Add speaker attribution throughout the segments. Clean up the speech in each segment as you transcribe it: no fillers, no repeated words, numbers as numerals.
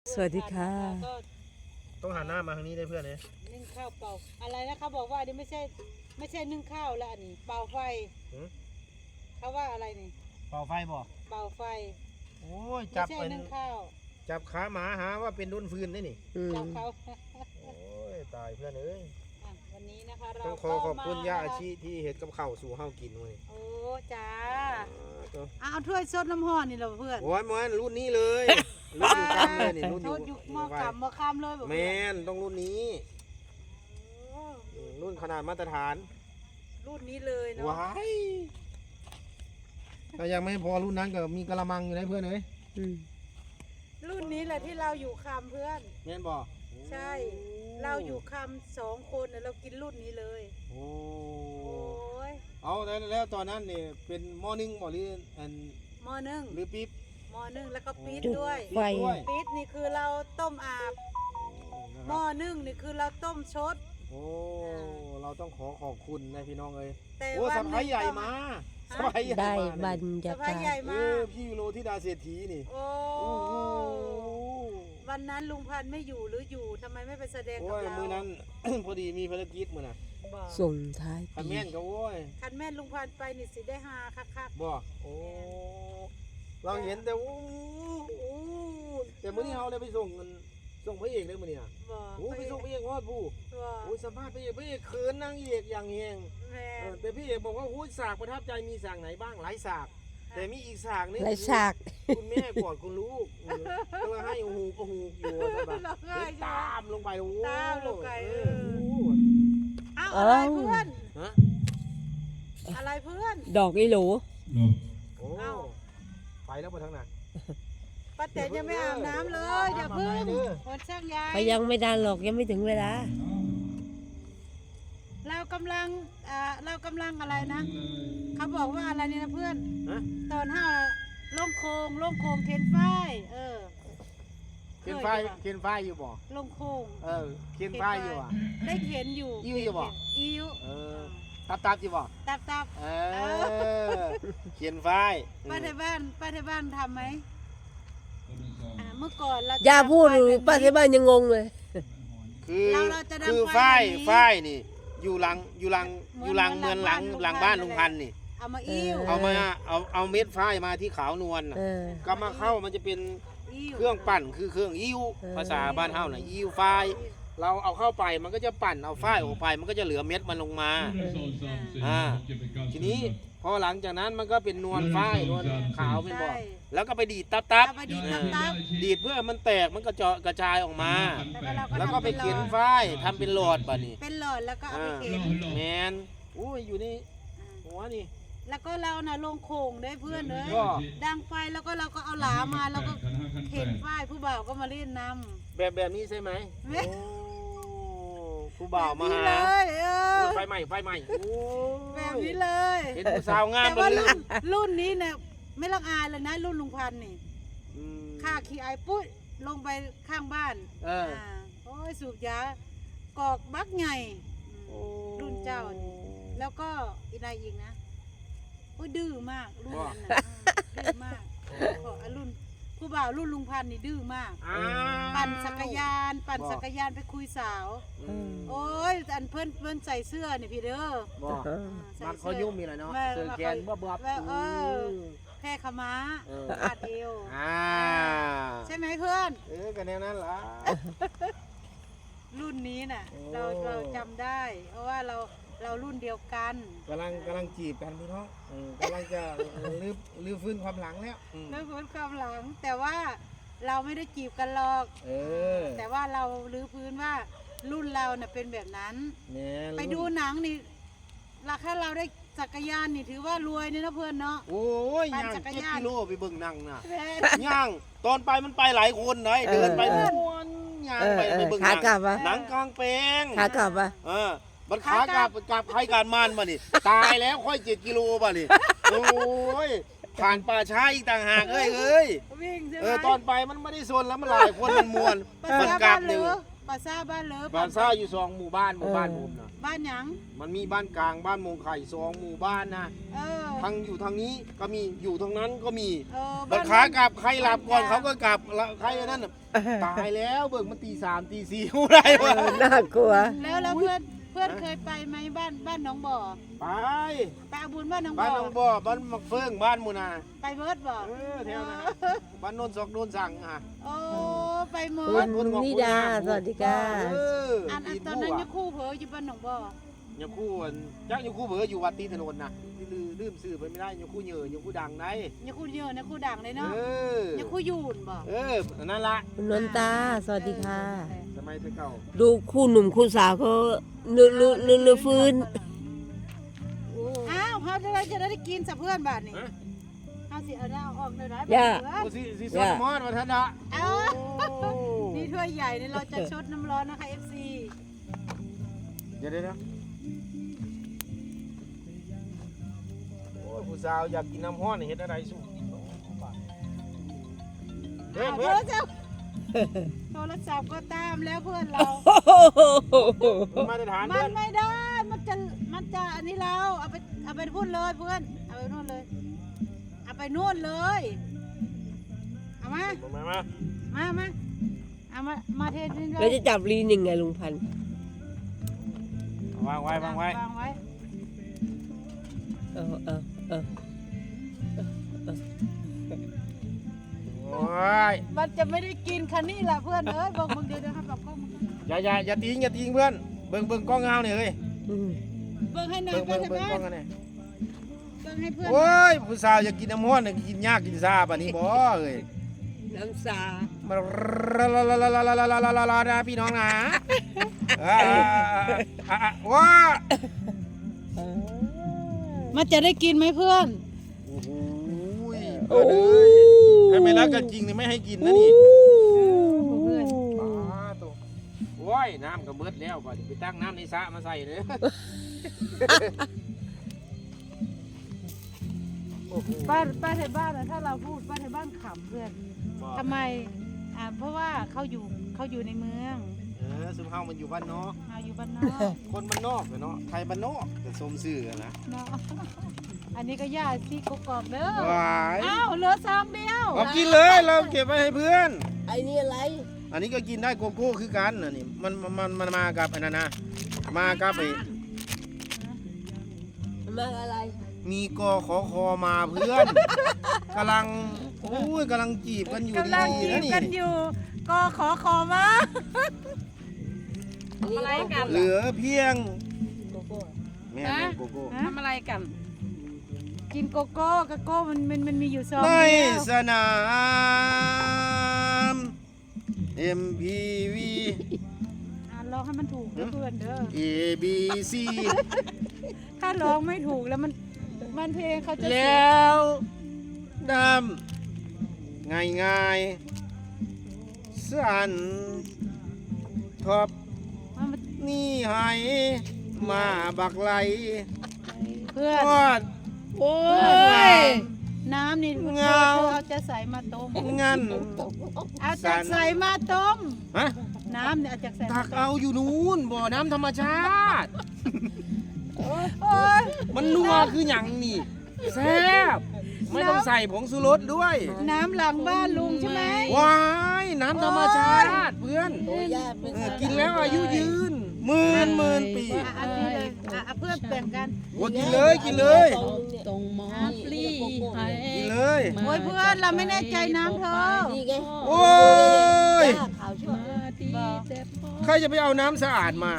Speaker 1: สวัสดีค่ะ
Speaker 2: ก็
Speaker 3: ต้องหันหน้ามาทางนี้ได้เพื่อนเลย
Speaker 2: นึ่งข้าวเป่าอะไรนะเขาบอกว่าอันนี้ไม่ใช่นึ่งข้าวแล้วอันนี้เป่าไฟเขาว่าอะไรนี่
Speaker 3: เป่าไฟบ่
Speaker 2: เป่าไฟ
Speaker 3: โอ้ย
Speaker 2: ไม่
Speaker 3: จับ
Speaker 2: ใช่
Speaker 3: เป็น
Speaker 2: นึ่งข้าว
Speaker 3: จับขาหมาหาว่าเป็นรุ่นฟืนได้นี่
Speaker 2: จับเขา
Speaker 3: โอ้ยตายเพื่อนเอ้ย
Speaker 2: วันนี้นะคะเรา
Speaker 3: ต้องขอบคุณย่าอาชีที่เห็ดกับข้าวสู่เฮากินเลย
Speaker 2: โอ้จ้าเอาถ้วยซดน้ำห่อนี่เราเพื่อน
Speaker 3: โอ้ยมันรุ่นนี้เลยรุ่นอยู่กำเลยนี่รุ่นอยู่
Speaker 2: หม้อกำหม้อคำเลย
Speaker 3: แมนต้องรุ่นนี้รุ่นขนาดมาตรฐาน
Speaker 2: รุ่นนี้เลยเนาะ
Speaker 3: ว้ายแต่ยังไม่พอรุ่นนั้นก็มีกะละมังอยู่นะเพื่อนเอ้ย
Speaker 2: รุ่นนี้แหละที่เราอยู่คำเพื่อน
Speaker 3: แม่นบ่
Speaker 2: ใช่เราอยู่คำ2 คนเรากินรุ่นนี้เลย
Speaker 3: โอ้ยเอาแล้วตอนนั้นเนี่ยเป็นหม้อนึ่งบ่หรืออัน
Speaker 2: หม้อนึ่ง
Speaker 3: หรือปิ๊บ
Speaker 2: หม้อนึ่งแล้วก็ปี๊ดด้วยปี๊ดนี่คือเราต้มอาบหม้อนึ่งนี่คือเราต้มชด
Speaker 3: โอ้เราต้องขอบคุณนะพี่น้องเอ้ย
Speaker 2: โอ้
Speaker 3: สะพ้ายใหญ่มาสะพ้ายใหญ่
Speaker 1: ได้บรรยากาศ
Speaker 3: พี่โลธิดาเศรษฐีนี่
Speaker 2: โอ้วันนั้นลุงพันธุ์ไม่อยู่หรืออยู่ทำไมไม่ไปแสดงกับเรา
Speaker 3: มื้อนั้น พอดีมีภารกิจมื้อน่ะ
Speaker 1: ส่งท้าย
Speaker 3: คันแม่นก็โอ้ย
Speaker 2: คันแม่นลุงพันธุ์ไปนี่สิได้ฮาคัก
Speaker 3: ๆบ่โอ้เราเห็นแต่แต่มื้อนี้เฮาได้ไปส่งพระเอกได้มื้อนี้น่ะโอ้ไปส่งพระเอกฮอดผู้โอ้สัมภาษณ์พระเอกเขินนางเอกอย่างแฮงแต่พี่เอกบอกว่าโอ้ฉากประทับใจมีฉากไหนบ้างหลายฉากแต่มีอีกฉากนึง
Speaker 1: หลายฉาก
Speaker 3: คุณแม่กอดคุณลูกก็เลยให้หูก็หูอยู่ตามลงไปโอ้
Speaker 2: ตามลงไปอะไรเพื่อนอะไรเพื่อน
Speaker 1: ดอกอีหลู
Speaker 3: โอ้ไปแล้วมาทางไหน
Speaker 2: ป้าแตนยังไม่อาบน้ำเลยอย่าเพิ่งคนช่างยาย
Speaker 1: ไปยังไม่ได้หรอกยังไม่ถึงเวลา
Speaker 2: เรากำลังอะไรนะเขาบอกว่าอะไรนี่นะเพื่อนตอน5ล่องโคงเข็นฝ้าย
Speaker 3: เข็นฝ้ายอยู่บ่
Speaker 2: ล่องโคง
Speaker 3: เข็นฝ้ายอยู่อ่ะ
Speaker 2: ได้เข็นอยู่
Speaker 3: อิ่วอยู่บ่
Speaker 2: อิ่ว
Speaker 3: ตับอยู่บ่
Speaker 2: ตับ
Speaker 3: เข็นฝ้าย
Speaker 2: ป้าที่บ้านทำไหมเมื่อก่อนเรา
Speaker 1: อย่าพูดป้าที่บ้านยังงงเลย
Speaker 3: คือฝ้ายนี่อยู่หลังเมืองหลังบ้านลุงพันธุ์นี่
Speaker 2: เอามาอิ่ว
Speaker 3: เอาเม็ดฝ้ายมาที่ขาวนวลก็มาเข้ามันจะเป็นเครื่องปั่นคือเครื่องอิ่วภาษาบ้านเฮาน่ะอิ่วฝ้ายเราเอาเข้าไปมันก็จะปั่นเอาฝ้ายออกไปมันก็จะเหลือเม็ดมันลงมาทีนี้พอหลังจากนั้นมันก็เป็นนวลฝ้ายนวลขาวเป็นบ่อแล้วก็ไปดีดตับดีดเพื่อมันแตกมันกระจายออกมาแล้วก็ไปเขียนฝ้ายทำเป็นหลอดป่ะนี่
Speaker 2: เป็นหลอดแล้วก็เอาไปเขียน
Speaker 3: แมนอุ้ยอยู่นี่หัวนี่
Speaker 2: แล้วก็เราน่ะลงโขงได้เพื่อนเลยดังไฟแล้วก็เราก็เอาหลามาแล้วก็เข็นฝ้ายผู้บ่าวก็มาเล่นน้
Speaker 3: ำแบบนี้ใช่ไหมผู้บ่าวมาหาไฟใหม่
Speaker 2: แบบนี้เลย
Speaker 3: เห็นผู้สาวงาม
Speaker 2: แต่ว่ารุ่นนี้เนี่ยไม่ละอายเลยนะรุ่นลุงพันธุ์นี่ข้าขี้ไอปุ้ยลงไปข้างบ้านโอ้ยสูบยากอกบักใหญ่รุ่นเจ้าแล้วก็อีนายอีกนะโอ้ยดื้อมากรุ่นนั้นน่ะดื้อมากรุ่นผู้บ่าวรุ่นลุงพันธุ์นี่ดื้อมากปั่นจักรยานไปคุยสาวโอ้ยอันเพื่อนใส่เสื้อนี่พี่เด้อ
Speaker 3: มันเขายุ่งมีอะไรเนาะเสื้อแขนบ๊อบ
Speaker 2: แพร่ขม้าขาดเอวใช่ไหมเพื่อน
Speaker 3: กันแนวนั้นล่ะ
Speaker 2: รุ่นนี้น่ะเราจำได้เพราะว่าเรารุ่นเดียวกัน
Speaker 3: กำลังจีบกันพี่น้องกำลังจะลื้อฟื้นความหลังแล้ว
Speaker 2: ลื้อฟื้นความหลังแต่ว่าเราไม่ได้จีบกันหรอกแต่ว่าเราลื้อฟื้นว่ารุ่นเราเนี่ยเป็นแบบนั้นไปดูหนังนี่ราคาเราได้จักรยานนี่ถือว่ารวยนี่นะเพื่อนเนาะ
Speaker 3: โอ้ยย่าง7 กิโลไปเบิ่งหนังน่ะย่างตอนไปมันไปหลายคนเลยเดินไปม้วนย่างไปเบิ่งหนังหนังกลางแปลง
Speaker 1: ขากลับ
Speaker 3: มันขากลับใครการมันมานี่ตายแล้วค่อย7 กิโลป่ะนี่โอ้ยผ่านป่าช้าอีกต่างหากเอ้ย
Speaker 2: วิ่งใช่ไหม
Speaker 3: ตอนไปมันไม่ได้โซนแล้วมันหลายคนมันมวนมันกลับหนึ่ง
Speaker 2: ปราสาทบ้านเลิฟ
Speaker 3: บ้านซ่าอยู่2หมู่บ้านผมนะ
Speaker 2: บ้านหยัง
Speaker 3: มันมีบ้านกลางบ้านมงไข่2หมู่บ้านนะ
Speaker 2: เออ
Speaker 3: ทางอยู่ทางนี้ก็มีอยู่ทางนั้นก็มี
Speaker 2: เออ
Speaker 3: บัดขากลับใครหลับก่อนเขาก็กลับแล้วใครอันนั้นน่ะตายแล้วเบิกมันตี 3 ตี 4ผู้ใดวะ
Speaker 1: น่ากลัว
Speaker 2: แล้วเพื่อนเคยไปไหมบ้านหนองบ่อ
Speaker 3: ไป
Speaker 2: ไปเอาบุญบ้านหนอง
Speaker 3: บ้าน
Speaker 2: บ่อ
Speaker 3: น้องบ่อบ้านมักเฟืองบ้านมูนา
Speaker 2: ไปเบิร์ดบ่
Speaker 3: แถวนะบ้านโนนซอกโนนสั่งอ่ะ
Speaker 2: โอ้ไปเมิ
Speaker 1: คุ
Speaker 2: ร์ด
Speaker 1: ณนิดาสวัสดีค่ะ
Speaker 2: อันตอนนั้นยังคู่เผลออยู่บ้านหนองบ่อ
Speaker 3: ยังคู่จักยังคู่เบออยู่วัดตีถนนนะลืมซื้อไปไม่ได้ยังคู่เหยื่อยังคู่ดังได้
Speaker 2: ยังคู่เยอะนะคู่ดังเลยเนาะ
Speaker 3: เออ
Speaker 2: ยังคู่ยูนบ่
Speaker 3: นั่นละ
Speaker 1: คุณนนตาสวัสดีค่ะ
Speaker 3: สมัยเก่า
Speaker 1: ดูคู่หนุ่มคู่สาวเขาเลือฟื้น
Speaker 2: อ้าวเขาจะได้กินสับเพื่อนบาทนี่เขาสิเอาได้ออกเลยนะ
Speaker 1: ย่า
Speaker 3: โอ้สิสอนมอดมาทันละ
Speaker 2: นี่ถ้วยใหญ่นี่เราจะชดน้ำร้อนนะคะ FC
Speaker 3: เดี๋ยวโอ้ยผู้สาวอยากกินน้ำห้อนเห็นอะไรสู้เพื่อน
Speaker 2: โทรศัพท์โทรศัพท์ก็ตามแล้วเพื่อนเรา
Speaker 3: มาตรฐาน
Speaker 2: มั
Speaker 3: เพื่อน
Speaker 2: นไม่ได้ มันจะอันนี้เราเอาไปพูดเลยเพื่อน เอาไปนู่นเลย เอาไปนู่นเลย เอามา มาเทนี่เล
Speaker 1: แล้ว
Speaker 2: ย
Speaker 1: จะจับลีนยังไงลุงพันธุ์
Speaker 3: วางไว้
Speaker 2: วางไว้
Speaker 1: เออ
Speaker 3: โอ้ย
Speaker 2: มันจะไม่ได้กินคันนี้แหละเพื่อนเอ้ยบอกมึงเดี๋ยวนะครับบอกกล้องมึง
Speaker 3: อย่าทิ้งเพื่อนเบิ่งกล้องเงาเนี่ยเฮ้ย
Speaker 2: เบิ่งให้หน่อย
Speaker 3: เบิ่ง
Speaker 2: เพื่อน
Speaker 3: กล้องกันเนี่ย
Speaker 2: เบิ่งให้เพื่อน
Speaker 3: โอ้ยผู้สาวอยากกินน้ำห้อนเนี่ยกินยากกินซาป่ะนี่บ่เอ้ย
Speaker 1: น้ำสา
Speaker 3: มาลาพี่น้องนะว้า
Speaker 2: มันจะได้กินไหมเพื่อน
Speaker 3: โอ้โหเพื่อนเอ้ยถ้าไม่รักกันจริงนี่ไม่ให้กินนะนี่
Speaker 2: เพื่อน
Speaker 3: ตัวโอ้ยน้ำก็เบิดแล้วป่ะไปตั้งน้ำในสระมาใส่เลย
Speaker 2: ป้าไทยบ้านนะถ้าเราพูดป้าไทยบ้านขำเพื่อนทำไมเพราะว่าเขาอยู่ในเมือง
Speaker 3: ซึมเฮามันอยู่บ้านนอก
Speaker 2: เราอยู่บ้านนอก
Speaker 3: คนบ้านนอกเนาะไทยบ้านนอกแต่สมซื่อนะ
Speaker 2: เนาะอันนี้ก็ย่าซี่กกอกเด้อ
Speaker 3: วาย
Speaker 2: อ้าวเหลือซองเดียว
Speaker 3: เอากินเลยเราเก็บไว้ให้เพื่อน
Speaker 1: ไอ้นี่อะไร
Speaker 3: อันนี้ก็กินได้โกโก้คือกันอันนี้มันมากับอันนั้นนะมากับไอ้
Speaker 1: มาอะไร
Speaker 3: มีกอขอคอมาเพื่อนกำลังจีบกันอยู่
Speaker 2: กำลัง
Speaker 3: ดี
Speaker 2: จี
Speaker 3: ๆนะ
Speaker 2: บ
Speaker 3: นี่
Speaker 2: กันอยู่ก็ขอมา
Speaker 1: อะไรกัน
Speaker 3: เหลือเพียง
Speaker 1: โกโก้
Speaker 3: แม่โกโก้
Speaker 2: ทำอะไรกัน กินโกโก้มันมีอยู่ซอง
Speaker 3: ใน
Speaker 2: เดียว
Speaker 3: สนาม MPV
Speaker 2: ร้องให้มันถูกนะเพื่อนเด้อ
Speaker 3: ABC
Speaker 2: ถ้าร้องไม่ถูกแล้วมันเพลงเขาจะเสีย
Speaker 3: แล้วดำง่ายสั่นทอบ
Speaker 2: มัน
Speaker 3: นี่ให้มาบักไหล
Speaker 2: เพื่อน
Speaker 3: ทอด
Speaker 1: โอ้ย
Speaker 2: น้ำนี่
Speaker 3: เงา
Speaker 2: เอาจะใส่มาต้ม
Speaker 3: งั้น
Speaker 2: เอาจะใส่มาต้ม
Speaker 3: ฮะ
Speaker 2: น้ำเนี่ยเอาจะใส่
Speaker 3: ตักเอาอยู่นู้นบ่อน้ำธรรมชาติ
Speaker 2: โอ้ย
Speaker 3: มันนัวคือหยังนี่แซ่บไม่ต้องใส่ผงชูรสด้วย
Speaker 2: น้ำหลังบ้านลุงใช่ไหม
Speaker 3: ว้ายน้ำธรรมชาติเพื่อน
Speaker 1: โอ้ยย่าเป็น
Speaker 3: กินแล้วอายุยืนหมื่นปี
Speaker 2: อันนี้เลยเพื่อนแบ่งกัน
Speaker 3: โอ้กินเลยกินเลย
Speaker 4: ตรงหมอปลีให้
Speaker 3: กินเลย
Speaker 2: โอ้ยเพื่อนเราไม่แน่ใจน้ำเธอ
Speaker 1: นี่ไง
Speaker 3: โอ้ย
Speaker 1: ย่าขาวชั่ว
Speaker 4: มาดีแต่พอ
Speaker 3: ใครจะไปเอาน้ำสะอาดมา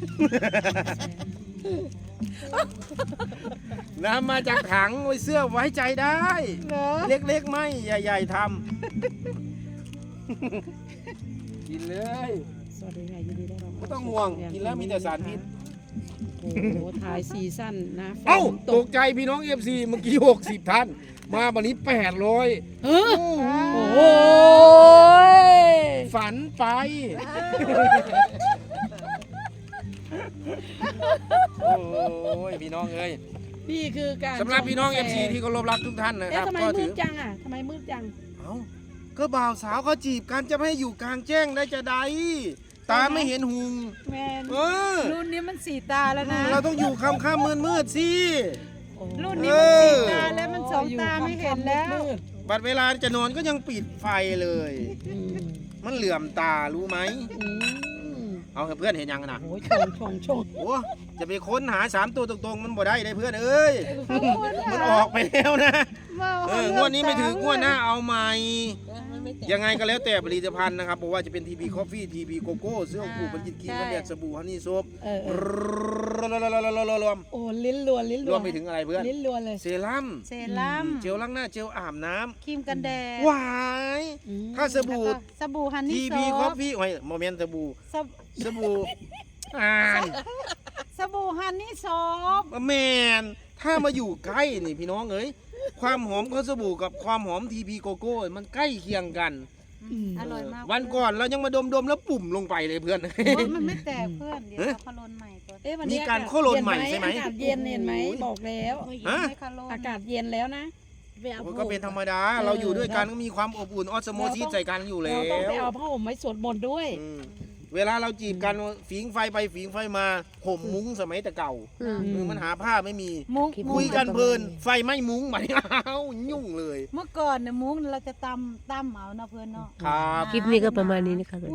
Speaker 3: น้ำมาจากถังไว้เสื้อไว้ใจได้
Speaker 2: เหรอ
Speaker 3: เล็กๆไม่ใหญ่ๆทำ กินเลย
Speaker 4: สวัสดีค่ะยินดีได้รับ
Speaker 3: ไม่ต้องห่วงกินแล้วมีแต่สารพิษ
Speaker 4: โอ้โหถ่ายซีซั่นนะฝน
Speaker 3: เอ้า
Speaker 4: ต
Speaker 3: ต
Speaker 4: ก
Speaker 3: กใจพี่น้อง FC เมื่อกี้60ท่านมาวันนี้800
Speaker 4: เฮ้อ
Speaker 3: โอ้โห
Speaker 4: โอ้ย
Speaker 3: ฝันไป โอ้ยพี่น้องเอ้ย
Speaker 4: นี่คือการ
Speaker 3: สำหรับพี่น้อง
Speaker 4: ชม
Speaker 3: FC ที่เคารพรักทุกท่านนะค
Speaker 4: เอ๊ะ
Speaker 3: รับ
Speaker 4: ทำไม
Speaker 3: ก็
Speaker 4: มื
Speaker 3: ถื
Speaker 4: ด
Speaker 3: อ
Speaker 4: จังอ่ะทำไมมืดจัง
Speaker 3: เอ้าก็บ่าวสาวเขาจีบกันจะไม่ให้อยู่กลางแจ้งได้จะใดตาไม่เห็นหุง
Speaker 2: แมน
Speaker 3: เออ
Speaker 2: รุ่นนี้มันสีตาแล้วนะ
Speaker 3: เราต้องอยู่ค่ำๆมืดๆสิ
Speaker 2: รุ่นนี้มันสีตาแล้วมันสองตาไม่เห็นแล้ว
Speaker 3: บัดเวลาจะนอนก็ยังปิดไฟเลย
Speaker 4: อืม
Speaker 3: มันเหลื่อมตารู้ไหม
Speaker 4: อืม
Speaker 3: เอาให้เพื่อนเห็นยังนะ
Speaker 4: โอ้ยชง
Speaker 3: โอ้จะไปค้นหา3ตัวตรงๆมันบ่ได้ได้เพื่อนเอ้ยมันออกไปแล้วนะงวดนี้ไม่ถึงงวดหน้าเอาใหม่ยังไงก็แล้วแต่ผลิตภัณฑ์นะครับบอกว่าจะเป็น TP Coffee TP Coco เสื้อผูกบรรจิตกินกันแดดสบู่ฮันนี่โซฟ
Speaker 4: เออ
Speaker 3: รวม
Speaker 4: โอ้ลิ้นรัวลิ้น
Speaker 3: ร
Speaker 4: รัว
Speaker 3: วมไปถึงอะไรเพื่อน
Speaker 4: ลิ้นรัวเลย
Speaker 3: เซรั่ม
Speaker 2: เซรั่ม
Speaker 3: เจลล้างหน้าเจลอาบน้
Speaker 2: ครีมกันแดด
Speaker 3: ำหวาย
Speaker 4: อืม
Speaker 3: ถ้าสบู่
Speaker 2: แล้วก็สบู่ฮันนี่
Speaker 3: TP
Speaker 2: โซฟ
Speaker 3: Coffee โอ้ยโมเมนต์สบู่
Speaker 2: สบ
Speaker 3: สบู่อ่าน
Speaker 2: สบู่ฮันนี่โซฟ
Speaker 3: แมนถ้ามาอยู่ใกล้นี่พี่น้องเอ้ยความหอมของสบู่กับความหอม TP Coco มันใกล้เคียงกัน
Speaker 2: อร่อยมาก
Speaker 3: วันก่อนเรายังมาดมแล้วปุ่มลงไปเลยเพื่อน
Speaker 2: โอ้ยมันไม่แตกเพื่อนเดี๋ยวเราพะโลนใหม่ก่อน
Speaker 4: เอ๊ะวัน
Speaker 3: มี
Speaker 4: นี้
Speaker 3: การโคโลนใหม่ใช่ไหม
Speaker 4: อากาศเย็นเห็นไหมบอกแล้ว
Speaker 3: ฮะ
Speaker 2: ไม่พะโลน
Speaker 4: อากาศเย็นแล้วนะ
Speaker 3: โอ้ยก็เป็นธรรมดา เราอยู่ด้วยกันก็มีความอบอุ่นออสโมซิสใส่กันอยู่แล้
Speaker 4: เราต้องไป
Speaker 3: ว
Speaker 4: เอาผ้าห่มไว้สวดมนต์ด้วย
Speaker 3: อืมเวลาเราจีบกันฝีงไฟไปฝีงไฟมาห่มมุ้งสมัยแต่เก่า
Speaker 1: อืม
Speaker 3: มันหาผ้าไม่มี
Speaker 2: มุ้ง
Speaker 3: คุยกันเพลินไฟไหม้มุ้งมาอ้าวยุ่งเลย
Speaker 2: เมื่อก่อนเนี่ยมุ้งเราจะตำเอานะเพื่อนเนาะ
Speaker 3: ครับ
Speaker 1: คลิปนี้ก็ประมาณนี้นะคะ